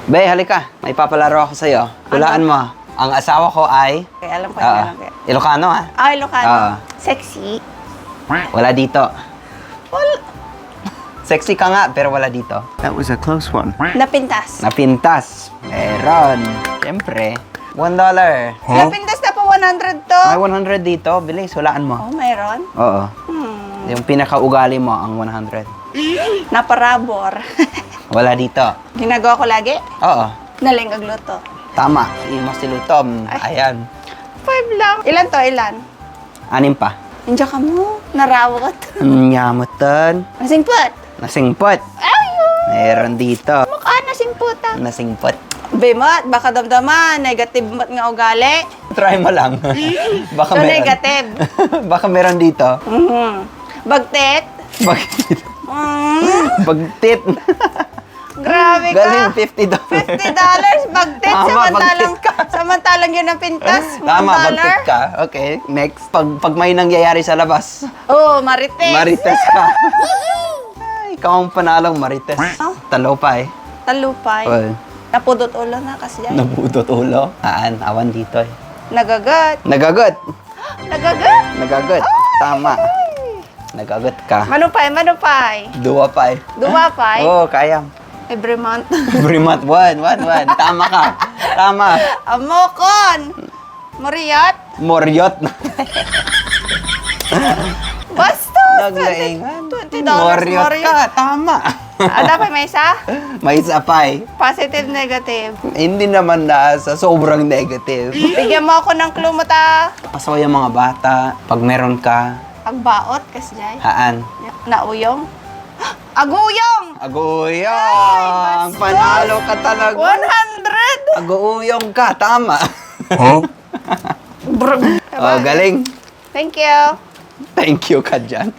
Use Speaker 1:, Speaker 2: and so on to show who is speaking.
Speaker 1: Be, halika. May papalaro ako sa'yo. Hulaan mo. Ang asawa ko ay...
Speaker 2: Okay, alam ko yan. Okay.
Speaker 1: Ilocano, ha?
Speaker 2: Ah, Ilocano.
Speaker 1: Oo.
Speaker 2: Sexy.
Speaker 1: Wala dito.
Speaker 2: Wala.
Speaker 1: Sexy ka nga, pero wala dito. That was a close one.
Speaker 2: Napintas.
Speaker 1: Napintas. Meron. Siyempre. $1.
Speaker 2: Napintas na po 100 to.
Speaker 1: May 100 dito. Bilis, hulaan mo.
Speaker 2: Oh, mayroon.
Speaker 1: Oo. Yung pinakaugali mo, ang 100.
Speaker 2: Naparabor.
Speaker 1: Wala dito.
Speaker 2: Ginagawa ko lagi.
Speaker 1: Oo.
Speaker 2: Naling agluto.
Speaker 1: Tama. Imo si Lutom. Ayan.
Speaker 2: 5 lang. Ilan to? Ilan?
Speaker 1: 6 pa.
Speaker 2: Nandiyan ka mo. Narawat.
Speaker 1: Nyamutan.
Speaker 2: Nasingput.
Speaker 1: Nasingpot.
Speaker 2: Ayun.
Speaker 1: Meron dito.
Speaker 2: Mukha nasingputa.
Speaker 1: Nasingpot.
Speaker 2: Bemot, baka damdaman. Negative mat nga ugali.
Speaker 1: Try mo lang. Baka
Speaker 2: So,
Speaker 1: meron.
Speaker 2: negative.
Speaker 1: Baka meron dito.
Speaker 2: Bagtet.
Speaker 1: Bagtit. Bagtit.
Speaker 2: Grabe ka.
Speaker 1: Galing, $50.
Speaker 2: $50 bagtet.
Speaker 1: Tama, bagtit ka.
Speaker 2: Samantalang yun ang pintas.
Speaker 1: Tama,
Speaker 2: $1.
Speaker 1: bagtit ka. Okay, next. Pag may nangyayari sa labas,
Speaker 2: Oh, marites.
Speaker 1: marites ka. Ay, ikaw ang panalong marites.
Speaker 2: Oh.
Speaker 1: Talopay.
Speaker 2: Talupay.
Speaker 1: Well,
Speaker 2: Napudot ulo na kasi yan.
Speaker 1: nabudot ulo. Awan dito eh.
Speaker 2: Nagagat.
Speaker 1: Nagagot.
Speaker 2: Nagagat.
Speaker 1: Nagagot. Tama. Nagagot ka.
Speaker 2: Manupay, manupay.
Speaker 1: Duwapay.
Speaker 2: Dumapay.
Speaker 1: Oo, kaya.
Speaker 2: Every month.
Speaker 1: Every month, one. Tama ka. Tama.
Speaker 2: Amokon. Moriat.
Speaker 1: Moryot.
Speaker 2: Basta.
Speaker 1: Naglaingan.
Speaker 2: $20
Speaker 1: Moryot ka. Tama.
Speaker 2: Dapat may isa?
Speaker 1: May isa pa eh.
Speaker 2: Positive, negative.
Speaker 1: Hindi naman na sa sobrang negative.
Speaker 2: Bigyan mo ako ng clue mo ta.
Speaker 1: Pasaway ang mga bata. Pag meron ka,
Speaker 2: Pagbaot, kasi jay.
Speaker 1: haan.
Speaker 2: Nauyong. Aguyong!
Speaker 1: Aguyong!
Speaker 2: Ay,
Speaker 1: Panalo ka talaga.
Speaker 2: 100!
Speaker 1: Aguyong ka. Tama.
Speaker 2: Brr.
Speaker 1: Oh, galing.
Speaker 2: Thank you.
Speaker 1: Thank you ka dyan.